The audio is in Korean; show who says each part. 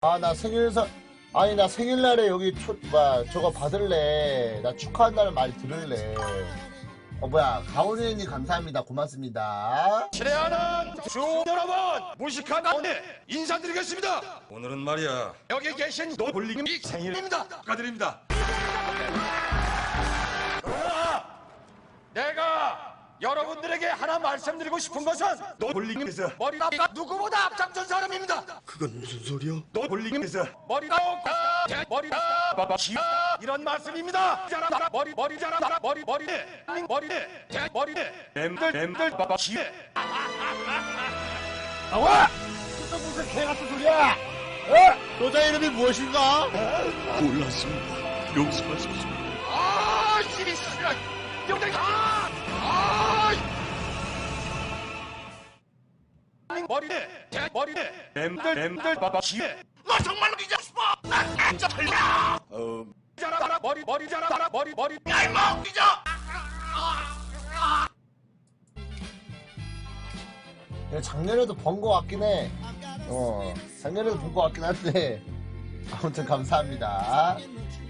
Speaker 1: 아, 나 생일선, 아니, 나 생일날에 여기 저거 받을래. 나 축하한다는 말 들을래. 뭐야, 가오리님 감사합니다. 고맙습니다.
Speaker 2: 친애하는 주 여러분, 무식한 가운데 인사드리겠습니다. 오늘은 말이야, 여기 계신 노볼링이 생일입니다. 축하드립니다. 그러나 내가 여러분들에게 하나 말씀드리고 싶은 것은 노볼링에서 머리가 누구보다 앞장선 사람입니다.
Speaker 3: 그건 무슨 소리야?
Speaker 2: 노볼링에서 머리가 머리가 이런 말씀입니다. 머리 자라 머리 엠들
Speaker 1: 나와! 또 무슨 개 같은 소리야! 여자 이름이 무엇인가?
Speaker 3: 몰랐습니다. 용서하십시오.
Speaker 2: 아, 씨발! 여기 머리 엠들 너 정말로 잊고 싶어? 난 진짜 틀려. 자라 머리 자라 머리 얄먹 잊어.
Speaker 1: 작년에도 번 거 같긴 해. 작년에도 본 거 같긴 한데. 아무튼 감사합니다.